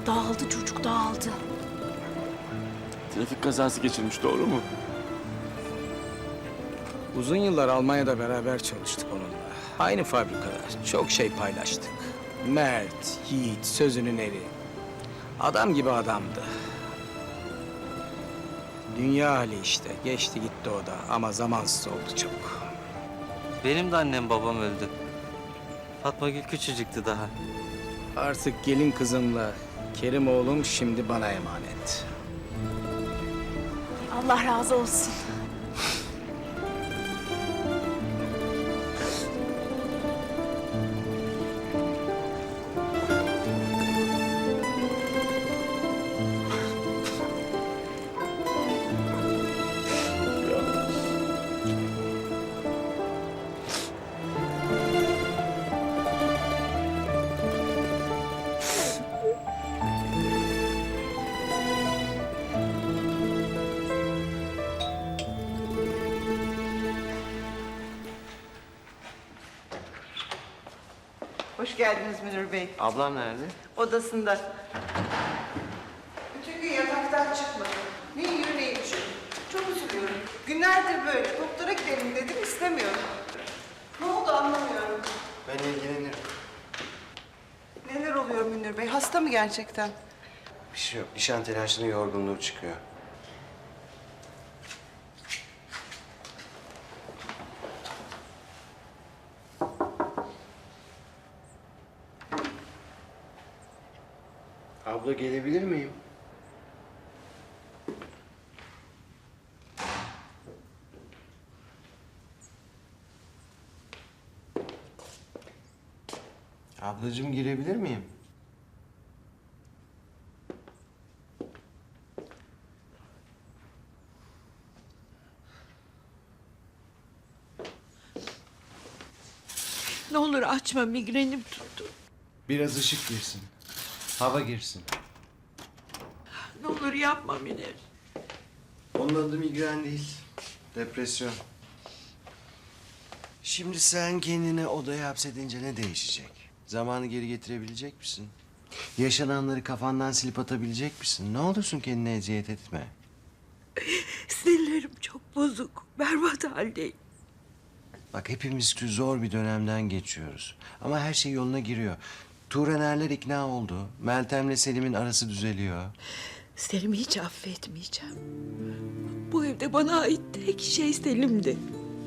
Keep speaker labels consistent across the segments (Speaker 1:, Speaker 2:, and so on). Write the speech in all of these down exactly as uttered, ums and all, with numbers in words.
Speaker 1: Dağıldı çocuk, dağıldı.
Speaker 2: Trafik kazası geçirmiş, doğru mu?
Speaker 3: Uzun yıllar Almanya'da beraber çalıştık onunla. Aynı fabrikada çok şey paylaştık. Mert, yiğit, sözünün eri. Adam gibi adamdı. Dünya hali işte. Geçti gitti o da ama zamansız oldu çok.
Speaker 4: Benim de annem babam öldü. Fatma Gül küçücüktü daha.
Speaker 3: Artık gelin kızımla Kerim oğlum şimdi bana emanet.
Speaker 1: Allah razı olsun.
Speaker 5: Hoş geldiniz Münir Bey.
Speaker 4: Ablam nerede?
Speaker 5: Odasında. Bütün gün yataktan çıkmadı. Ne yiyor ne içiyor. Çok üzülüyorum. Günlerdir böyle. Doktora gidelim dedim, istemiyorum. Ne oldu anlamıyorum.
Speaker 4: Ben ilgilenirim.
Speaker 5: Neler oluyor Münir Bey? Hasta mı gerçekten?
Speaker 6: Bir şey yok. Nişan telaşının yorgunluğu çıkıyor. Abla gelebilir miyim? Ablacığım girebilir miyim?
Speaker 7: Ne olur açma, migrenim tuttu.
Speaker 6: Biraz ışık girsin. Hava girsin.
Speaker 7: Ne olur yapma Münir.
Speaker 6: Onun adı migren değil. Depresyon. Şimdi sen kendini odaya hapsedince ne değişecek? Zamanı geri getirebilecek misin? Yaşananları kafandan silip atabilecek misin? Ne olursun kendine eziyet etme.
Speaker 7: Sinirlerim çok bozuk, berbat haldeyim.
Speaker 6: Bak hepimiz zor bir dönemden geçiyoruz. Ama her şey yoluna giriyor. Tuğranerler ikna oldu. Meltem'le Selim'in arası düzeliyor.
Speaker 7: Selim'i hiç affetmeyeceğim. Bu evde bana ait tek şey Selim'di.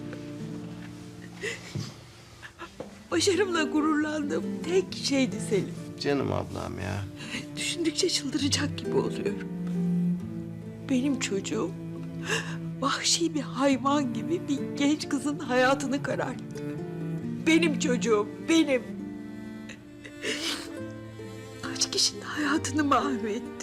Speaker 7: Başarımla gururlandığım tek şeydi Selim.
Speaker 6: Canım ablam ya.
Speaker 7: Düşündükçe çıldıracak gibi oluyorum. Benim çocuğum vahşi bir hayvan gibi bir genç kızın hayatını kararttı. Benim çocuğum, benim. Kaç kişinin hayatını mahvetti.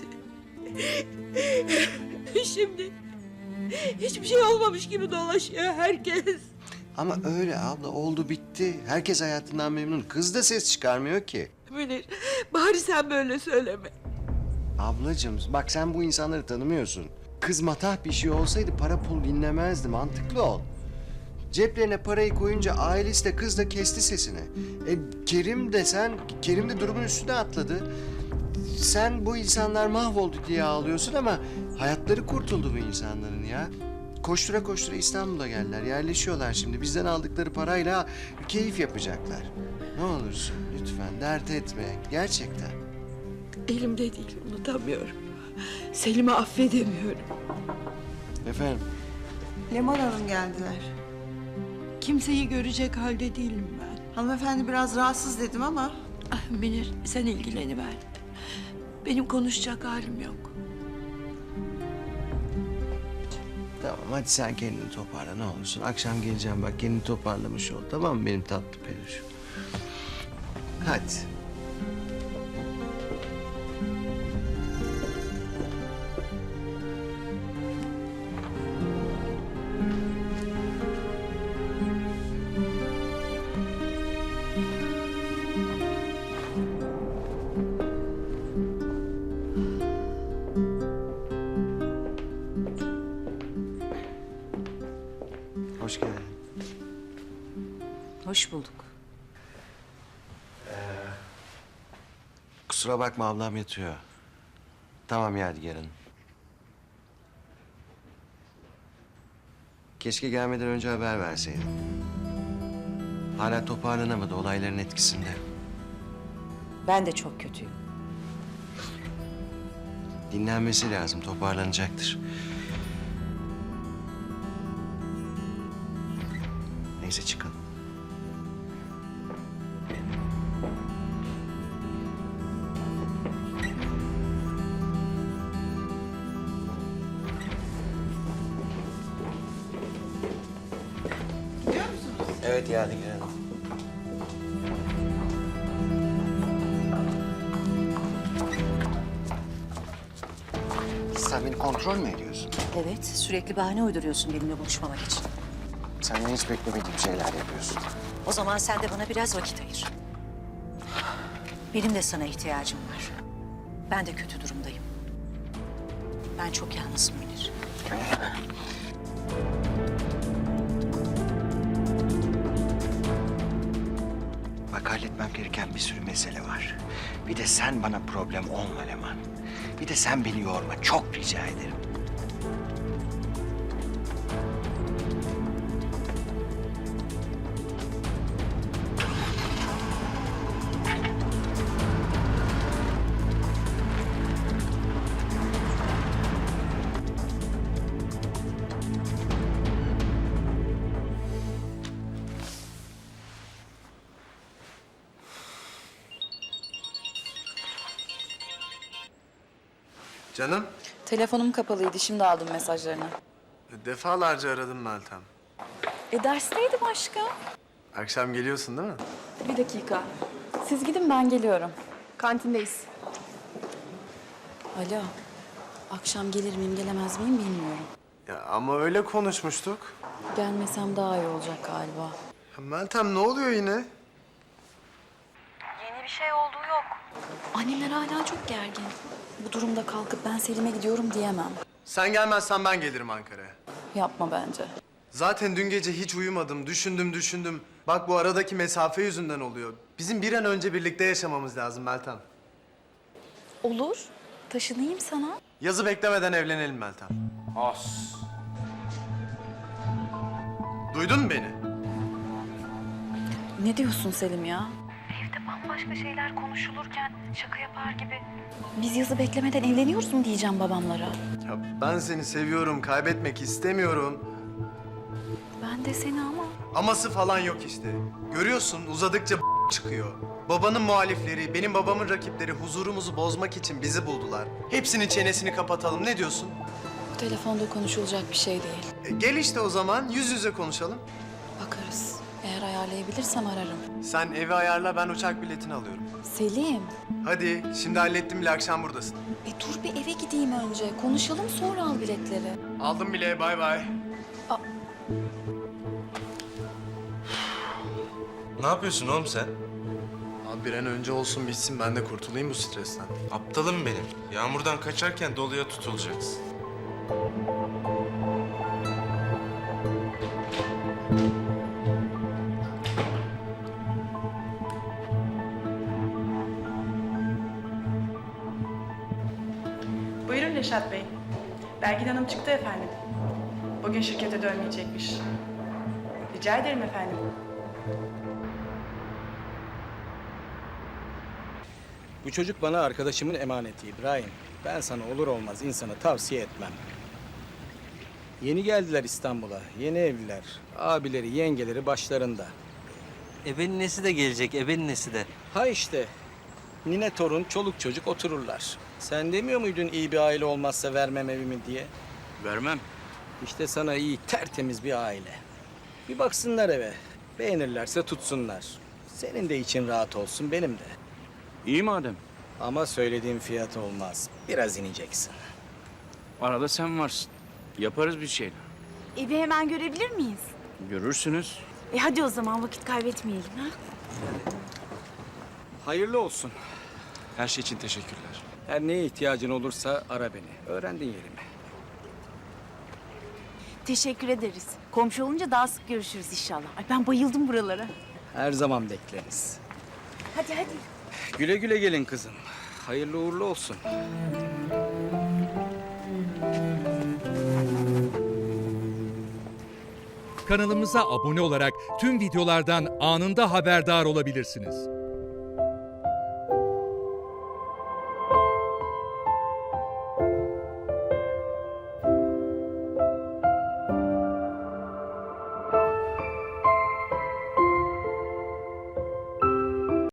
Speaker 7: Şimdi hiçbir şey olmamış gibi dolaşıyor herkes.
Speaker 6: Ama öyle abla oldu bitti. Herkes hayatından memnun. Kız da ses çıkarmıyor ki.
Speaker 7: Münir, bari sen böyle söyleme.
Speaker 6: Ablacığım bak sen bu insanları tanımıyorsun. Kız matah bir şey olsaydı para pul dinlemezdi. Mantıklı ol. Ceplerine parayı koyunca ailesi de kız da kesti sesini. E, Kerim de sen, Kerim de durumun üstüne atladı. Sen bu insanlar mahvoldu diye ağlıyorsun ama hayatları kurtuldu bu insanların ya. Koştura koştura İstanbul'a geldiler, yerleşiyorlar şimdi. Bizden aldıkları parayla keyif yapacaklar. Ne olursun lütfen dert etme, gerçekten.
Speaker 7: Elimde değil, unutamıyorum. Selim'i affedemiyorum.
Speaker 6: Efendim?
Speaker 5: Leman Hanım geldiler.
Speaker 7: Kimseyi görecek halde değilim ben.
Speaker 5: Hanımefendi biraz rahatsız dedim ama...
Speaker 7: Ah, Münir, sen ilgileniver. Benim konuşacak halim yok.
Speaker 6: Tamam hadi sen kendini toparla ne olursun. Akşam geleceğim bak kendini toparlamış ol. Tamam mı benim tatlı peluşum? Hadi. Hoş geldin.
Speaker 1: Hoş bulduk.
Speaker 6: Kusura bakma ablam yatıyor. Tamam Yadigar Hanım. Keşke gelmeden önce haber verseydin. Hala toparlanamadı, olayların etkisinde.
Speaker 2: Ben de çok kötüyüm.
Speaker 6: Dinlenmesi lazım, toparlanacaktır. Neyse çıkalım.
Speaker 5: Gidiyor musunuz?
Speaker 6: Evet Yadigar Hanım. Sen beni kontrol mü ediyorsun?
Speaker 2: Evet, sürekli bahane uyduruyorsun benimle buluşmamak için.
Speaker 6: Senden hiç beklemediğim şeyler yapıyorsun.
Speaker 2: O zaman sen de bana biraz vakit ayır. Benim de sana ihtiyacım var. Ben de kötü durumdayım. Ben çok yalnızım Münir.
Speaker 6: Bak halletmem gereken bir sürü mesele var. Bir de sen bana problem olma Leman. Bir de sen beni yorma. Çok rica ederim.
Speaker 8: Canım,
Speaker 9: Telefonum kapalıydı. Şimdi aldım mesajlarını.
Speaker 8: defalarca aradım Meltem.
Speaker 9: E dersteydim aşkım.
Speaker 8: Akşam geliyorsun değil mi?
Speaker 9: Bir dakika. Siz gidin ben geliyorum. Kantindeyiz. Alo. Akşam gelir miyim gelemez miyim bilmiyorum.
Speaker 8: Ya ama öyle konuşmuştuk.
Speaker 9: Gelmesem daha iyi olacak galiba.
Speaker 8: Ya Meltem ne oluyor yine?
Speaker 9: Annemler hala çok gergin. Bu durumda kalkıp ben Selim'e gidiyorum diyemem.
Speaker 8: Sen gelmezsen ben gelirim Ankara'ya.
Speaker 9: Yapma bence.
Speaker 8: Zaten dün gece hiç uyumadım, düşündüm düşündüm. Bak bu aradaki mesafe yüzünden oluyor. Bizim bir an önce birlikte yaşamamız lazım Meltem.
Speaker 9: Olur. Taşınayım sana.
Speaker 8: Yazı beklemeden evlenelim Meltem. As. Duydun mu beni?
Speaker 9: Ne diyorsun Selim ya?
Speaker 1: Evde bambaşka şeyler konuşulurken şaka yapar gibi.
Speaker 9: Biz yazı beklemeden evleniyoruz mu diyeceğim babamlara.
Speaker 8: Ya ben seni seviyorum, kaybetmek istemiyorum.
Speaker 9: Ben de seni ama.
Speaker 8: Aması falan yok işte. Görüyorsun uzadıkça çıkıyor. Babanın muhalifleri, benim babamın rakipleri huzurumuzu bozmak için bizi buldular. Hepsinin çenesini kapatalım. Ne diyorsun?
Speaker 9: Bu telefonda konuşulacak bir şey değil.
Speaker 8: E, gel işte o zaman yüz yüze konuşalım.
Speaker 9: Bakarız. Eğer ayarlayabilirsem ararım.
Speaker 8: Sen evi ayarla, ben uçak biletini alıyorum.
Speaker 9: Selim.
Speaker 8: Hadi, şimdi hallettim bile, akşam buradasın.
Speaker 9: E dur bir eve gideyim önce. Konuşalım sonra al biletleri.
Speaker 8: Aldım bile, bay bay.
Speaker 10: Ne yapıyorsun oğlum sen?
Speaker 8: Abi bir an önce olsun bitsin, ben de kurtulayım bu stresten.
Speaker 10: Aptalım benim. Yağmurdan kaçarken doluya tutulacaksın.
Speaker 11: Buyurun Reşat Bey. Belgin Hanım çıktı efendim. Bugün şirkete dönmeyecekmiş. Rica ederim efendim.
Speaker 3: Bu çocuk bana arkadaşımın emaneti İbrahim. Ben sana olur olmaz insanı tavsiye etmem. Yeni geldiler İstanbul'a. Yeni evliler. Abileri, yengeleri başlarında.
Speaker 4: Ebenin nesi de gelecek, ebenin nesi de.
Speaker 3: Ha işte. Nine torun, çoluk çocuk otururlar. Sen demiyor muydun iyi bir aile olmazsa vermem evimi diye?
Speaker 12: Vermem.
Speaker 3: İşte sana iyi, tertemiz bir aile. Bir baksınlar eve. Beğenirlerse tutsunlar. Senin de için rahat olsun, benim de.
Speaker 12: İyi madem.
Speaker 3: Ama söylediğim fiyat olmaz. Biraz ineceksin.
Speaker 12: Arada sen varsın. Yaparız bir şeyler.
Speaker 1: Evi hemen görebilir miyiz?
Speaker 12: Görürsünüz.
Speaker 1: E hadi o zaman vakit kaybetmeyelim ha.
Speaker 3: Hayırlı olsun.
Speaker 10: Her şey için teşekkürler.
Speaker 3: Her neye ihtiyacın olursa ara beni. Öğrendin yerimi.
Speaker 1: Teşekkür ederiz. Komşu olunca daha sık görüşürüz inşallah. Ay ben bayıldım buralara.
Speaker 3: Her zaman bekleriz.
Speaker 1: Hadi hadi.
Speaker 3: Güle güle gelin kızım. Hayırlı uğurlu olsun.
Speaker 13: Kanalımıza abone olarak tüm videolardan anında haberdar olabilirsiniz.